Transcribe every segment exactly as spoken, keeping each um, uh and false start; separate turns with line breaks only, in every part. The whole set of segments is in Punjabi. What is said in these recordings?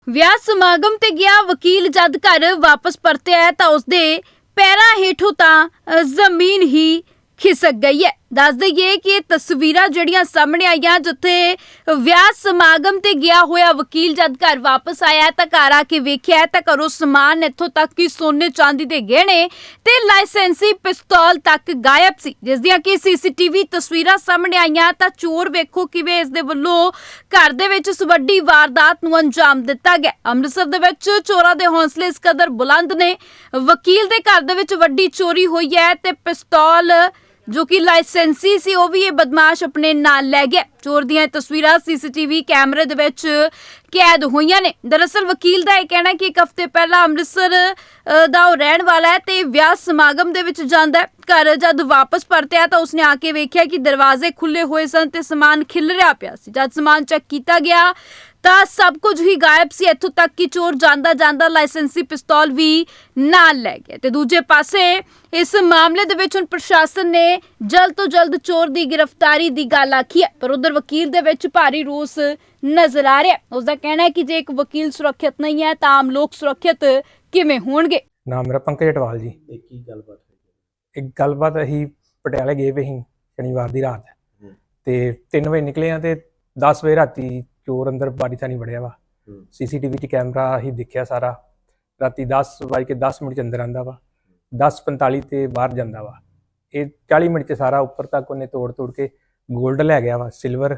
ਵਿਆਹ ਸਮਾਗਮ ਤੇ ਗਿਆ ਵਕੀਲ ਜਦ ਘਰ ਵਾਪਸ ਪਰਤਿਆ ਤਾਂ ਉਸਦੇ ਪੈਰਾਂ ਹੇਠੋਂ ਤਾਂ ਅ, ਜ਼ਮੀਨ ਹੀ ਖਿਸਕ ਗਈ ਹੈ। ਦੱਸ ਦਈਏ ਕਿ ਇਹ ਤਸਵੀਰਾਂ ਜਿਹੜੀਆਂ ਸਾਹਮਣੇ ਆਈਆਂ ਜਿੱਥੇ ਵਿਆਹ ਸਮਾਗਮ ਤੇ ਗਿਆ ਹੋਇਆ ਵਕੀਲ ਜਦ ਘਰ ਵਾਪਸ ਆਇਆ ਤਾਂ ਘਰ ਆ ਕੇ ਵੇਖਿਆ ਤਾਂ ਘਰੋਂ ਸਮਾਨ ਇੱਥੋਂ ਤੱਕ ਕਿ ਸੋਨੇ ਚਾਂਦੀ ਦੇ ਗਹਿਣੇ ਤੇ ਲਾਇਸੈਂਸੀ ਪਿਸਤੌਲ ਤੱਕ ਗਾਇਬ ਸੀ, ਜਿਸ ਦੀਆਂ ਕਿ ਸੀਸੀਟੀਵੀ ਤਸਵੀਰਾਂ ਸਾਹਮਣੇ ਆਈਆਂ। ਤਾਂ ਚੋਰ ਵੇਖੋ ਕਿਵੇਂ ਇਸ ਦੇ ਵੱਲੋਂ ਘਰ ਦੇ ਵਿੱਚ ਇਸ ਵੱਡੀ ਵਾਰਦਾਤ ਨੂੰ ਅੰਜਾਮ ਦਿੱਤਾ ਗਿਆ। ਅੰਮ੍ਰਿਤਸਰ ਦੇ ਵਿੱਚ ਚੋਰਾਂ ਦੇ ਹੌਸਲੇ ਇਸ ਕਦਰ ਬੁਲੰਦ ਨੇ। ਵਕੀਲ ਦੇ ਘਰ ਦੇ ਵਿੱਚ ਵੱਡੀ ਚੋਰੀ ਹੋਈ ਹੈ ਤੇ ਪਿਸਤੌਲ ਜੋ ਕਿ ਲਾਇਸੈਂਸੀ ਸੀ ਉਹ ਵੀ ਇਹ ਬਦਮਾਸ਼ ਆਪਣੇ ਨਾਲ ਲੈ ਗਿਆ। ਚੋਰ ਦੀਆਂ ਤਸਵੀਰਾਂ ਸੀਸੀਟੀਵੀ ਕੈਮਰੇ ਦੇ ਵਿੱਚ ਕੈਦ ਹੋਈਆਂ ਨੇ। ਦਰਅਸਲ ਵਕੀਲ ਦਾ ਇਹ ਕਹਿਣਾ ਕਿ ਇੱਕ ਹਫ਼ਤੇ ਪਹਿਲਾਂ ਅੰਮ੍ਰਿਤਸਰ ਅ, ਦਾ ਉਹ ਰਹਿਣ ਵਾਲਾ ਹੈ ਤੇ ਵਿਆਹ ਸਮਾਗਮ ਦੇ ਵਿੱਚ ਜਾਂਦਾ ਹੈ। ਘਰ ਜਦ ਵਾਪਸ ਪਰਤਿਆ ਤਾਂ ਉਸਨੇ ਆ ਕੇ ਵੇਖਿਆ ਕਿ ਦਰਵਾਜ਼ੇ ਖੁੱਲੇ ਹੋਏ ਸਨ ਤੇ ਸਮਾਨ ਖਿਲਰਿਆ ਪਿਆ ਸੀ। ਜਦ ਸਮਾਨ ਚੈੱਕ ਕੀਤਾ ਗਿਆ ਤਾਂ ਸਭ ਕੁਝ ਹੀ ਗਾਇਬ ਸੀ, ਇੱਥੋਂ ਤੱਕ ਕਿ ਚੋਰ ਜਾਂਦਾ ਜਾਂਦਾ ਲਾਇਸੈਂਸੀ ਪਿਸਤੌਲ ਵੀ ਨਾਲ ਲੈ ਗਿਆ। ਤੇ ਦੂਜੇ ਪਾਸੇ ਇਸ ਮਾਮਲੇ ਦੇ ਵਿੱਚ ਹੁਣ ਪ੍ਰਸ਼ਾਸਨ ਨੇ ਜਲਦ ਤੋਂ ਜਲਦ ਚੋਰ ਦੀ ਗ੍ਰਿਫਤਾਰੀ ਦੀ ਗੱਲ ਆਖੀ ਹੈ, ਪਰ ਉਧਰ ਵਕੀਲ ਦੇ ਵਿੱਚ ਭਾਰੀ ਰੋਸ ਨਜ਼ਰ ਆ ਰਿਹਾ। ਉਸਦਾ ਕਹਿਣਾ ਹੈ ਕਿ ਜੇ ਇੱਕ ਵਕੀਲ ਸੁਰੱਖਿਅਤ ਨਹੀਂ ਹੈ ਤਾਂ ਆਮ ਲੋਕ ਸੁਰੱਖਿਅਤ ਕਿਵੇਂ ਹੋਣਗੇ।
ਨਾਮ ਮੇਰਾ ਪੰਕਜ ਅਟਵਾਲ ਜੀ।
ਇਹ ਕੀ ਗੱਲਬਾਤ ਹੋਈ?
ਇੱਕ ਗੱਲਬਾਤ ਅਸੀਂ ਪਟਿਆਲੇ ਗਏ ਵੇ ਸੀ ਸ਼ਨੀਵਾਰ ਦੀ ਰਾਤ
ਹੂੰ।
ਤੇ ਤਿੰਨ ਵਜੇ ਨਿਕਲੇ ਆ ਤੇ ਦਸ ਵਜੇ ਰਾਤੀ ਚੋਰ ਅੰਦਰ ਬਾਰੀ ਥਾਣੀ ਵੜਿਆ ਵਾ।
ਹੂੰ।
ਸੀਸੀਟੀਵੀ 'ਚ ਕੈਮਰਾ ਅਸੀਂ ਦੇਖਿਆ ਸਾਰਾ। ਰਾਤੀ ਦਸ ਵੱਜ ਕੇ ਦਸ ਮਿੰਟ 'ਚ ਅੰਦਰ ਆਂਦਾ ਵਾ, ਦਸ ਪੰਤਾਲੀ ਤੇ ਬਾਹਰ ਜਾਂਦਾ ਵਾ। ਇਹ ਚਾਲੀ ਮਿੰਟ 'ਚ ਸਾਰਾ ਉੱਪਰ ਤੱਕ ਉਹਨੇ ਤੋੜ ਤੋੜ ਕੇ ਗੋਲਡ ਲੈ ਗਿਆ ਵਾ, ਸਿਲਵਰ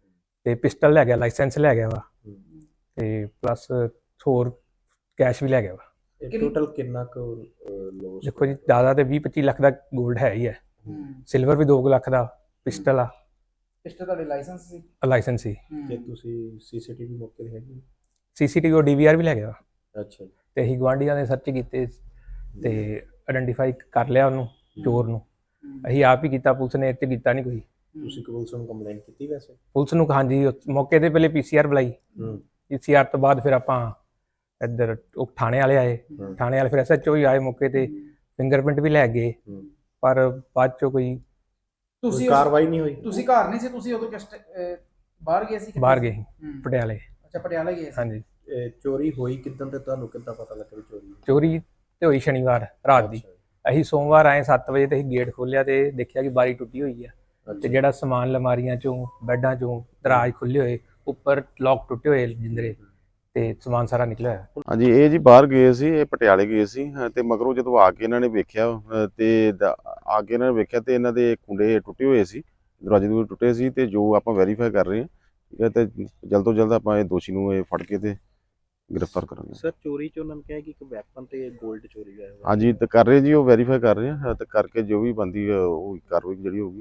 ਤੇ ਪਿਸਟਲ ਲੈ ਗਿਆ, ਲਾਇਸੈਂਸ ਲੈ ਗਿਆ ਵਾ
ਹੂੰ।
ਤੇ ਪਲੱਸ ਹੋਰ ਕੈਸ਼ ਵੀ ਲੈ ਗਿਆ ਵਾ।
ਇਹ ਟੋਟਲ ਕਿੰਨਾ ਕੁ ਲੋਸ?
ਦੇਖੋ ਜੀ ਜ਼ਿਆਦਾ ਤੇ ਵੀਹ ਪੱਚੀ ਲੱਖ ਦਾ ਗੋਲਡ ਹੈ ਹੀ ਹੈ, ਸਿਲਵਰ ਵੀ ਦੋ ਲੱਖ ਦਾ, ਪਿਸਟਲ ਆ,
ਪਿਸਟਲ ਤੁਹਾਡੇ ਲਾਇਸੈਂਸ ਸੀ?
ਲਾਇਸੈਂਸ ਸੀ।
ਜੇ ਤੁਸੀਂ ਸੀਸੀਟੀਵੀ ਮੌਕੇ ਤੇ ਹੈਗੀ?
ਸੀਸੀਟੀਵੀ ਉਹ ਡੀਵੀਆਰ ਵੀ ਲੈ ਗਿਆ
ਅੱਛਾ ਜੀ।
ਤੇ ਅਸੀਂ ਗੁਆਂਢੀਆਂ ਨੇ ਸਰਚ ਕੀਤੇ ਤੇ ਆਇਡੈਂਟੀਫਾਈ ਕਰ ਲਿਆ ਉਹਨੂੰ, ਚੋਰ ਨੂੰ। ਅਸੀਂ ਆਪ ਹੀ ਕੀਤਾ, ਪੁਲਿਸ ਨੇ ਇੱਥੇ ਕੀਤਾ ਨਹੀਂ ਕੋਈ।
ਤੁਸੀਂ ਪੁਲਿਸ ਨੂੰ ਕੰਪਲੇਂਟ ਕੀਤੀ ਵੈਸੇ?
ਪੁਲਿਸ ਨੂੰ ਹਾਂਜੀ ਉਸ ਮੌਕੇ ਤੇ ਪਹਿਲੇ ਪੀਸੀਆਰ ਬੁਲਾਈ,
ਹੂੰ।
ਪੀਸੀਆਰ ਤੋਂ ਬਾਅਦ ਫਿਰ ਆਪਾਂ ਇੱਧਰ ਉਹ ਥਾਣੇ ਵਾਲੇ ਆਏ,
ਹੂੰ।
ਥਾਣੇ ਵਾਲੇ ਫਿਰ ਐਸਐਚਓ ਹੀ ਆਏ ਮੌਕੇ ਤੇ, ਫਿੰਗਰਪ੍ਰਿੰਟ ਵੀ ਲੈ ਗਏ,
ਹੂੰ।
ਪਰ ਬਾਅਦ ਚੋਂ ਕੋਈ
ਕੋਈ
ਤੁਸੀਂ
ਕਾਰਵਾਈ ਨਹੀਂ ਹੋਈ?
ਤੁਸੀਂ ਘਰ ਨਹੀਂ ਸੀ? ਤੁਸੀਂ ਉਦੋਂ ਕਿਸ ਟ- ਅਹ ਬਾਹਰ ਗਏ ਸੀ? ਕਿੱਥੇ
ਬਾਹਰ
ਸੀ?
ਗਏ ਸੀ,
ਹੂੰ।
ਪਟਿਆਲੇ।
ਅੱਛਾ, ਪਟਿਆਲਾ ਗਏ ਸੀ।
ਹਾਂਜੀ।
ਇਹ ਚੋਰੀ ਹੋਈ ਕਿਦਾਂ ਤੇ ਤੁਹਾਨੂੰ ਕਿੱਦਾਂ ਪਤਾ ਲੱਗਾ ਵੀ ਚੋਰੀ ਹੋਈ?
ਚੋਰੀ ਤੇ ਹੋਈ ਸ਼ਨੀਵਾਰ ਰਾਤ ਦੀ।
ਅੱਛਾ ਜੀ।
ਅਸੀਂ ਸੋਮਵਾਰ ਆਏ ਸੱਤ ਵਜੇ ਤੇ ਅਸੀਂ ਗੇਟ ਖੋਲ੍ਹਿਆ ਤੇ ਦੇਖਿਆ ਕਿ ਬਾਰੀ ਟੁੱਟੀ ਹੋਈ ਆ ਤੇ
ਅੱਛਾ।
ਜਿਹੜਾ ਸਮਾਨ ਲਮਾਰੀਆਂ ਚੋਂ, ਬੈੱਡਾਂ ਚੋਂ, ਦਰਾਜ ਖੁੱਲੇ ਹੋਏ, ਉੱਪਰ ਲੋਕ ਟੁੱਟੇ ਹੋਏ ਜਿੰਦਰੇ ਤੇ ਸਮਾਨ ਸਾਰਾ ਨਿਕਲਿਆ ਹੋਇਆ।
ਹਾਂਜੀ, ਇਹ ਜੀ ਬਾਹਰ ਗਏ ਸੀ, ਇਹ ਪਟਿਆਲੇ ਗਏ ਸੀ ਅਹ ਤੇ ਮਗਰੋਂ ਜਦੋਂ ਆ ਕੇ ਇਹਨਾਂ ਨੇ ਵੇਖਿਆ ਅਹ ਤੇ ਦ- ਆ ਕੇ ਇਹਨਾਂ ਨੇ ਵੇਖਿਆ ਤੇ ਇਹਨਾਂ ਦੇ ਕੁੰਡੇ ਟੁੱਟੇ ਹੋਏ ਸੀ, ਦਰਵਾਜ਼ੇ ਦੂਰ ਟੁੱਟੇ ਸੀ ਤੇ ਜੋ ਆਪਾਂ ਵੈਰੀਫਾਈ ਕਰ ਰਹੇ ਹਾਂ, ਠੀਕ ਹੈ, ਤੇ ਜਲਦ ਤੋਂ ਜਲਦ ਆਪਾਂ ਇਹ ਦੋਸ਼ੀ ਨੂੰ ਇਹ ਫੜ ਕੇ ਤੇ ਗ੍ਰਿਫਤਾਰ ਕਰਾਂਗੇ।
ਸਰ ਚੋਰੀ ਚ ਉਹਨਾਂ ਨੇ ਕਿਹਾ ਕਿ ਇੱਕ ਵੈਪਨ ਤੇ 골ਡ ਚੋਰੀ ਹੋਇਆ ਹੈ।
ਹਾਂਜੀ, ਤੇ ਕਰ ਰਹੇ ਜੀ, ਉਹ ਵੈਰੀਫਾਈ ਕਰ ਰਹੇ ਹਾਂ ਤੇ ਕਰਕੇ ਜੋ ਵੀ ਬੰਦੀ ਉਹ ਕਾਰਵਾਈ ਜਿਹੜੀ ਹੋਊਗੀ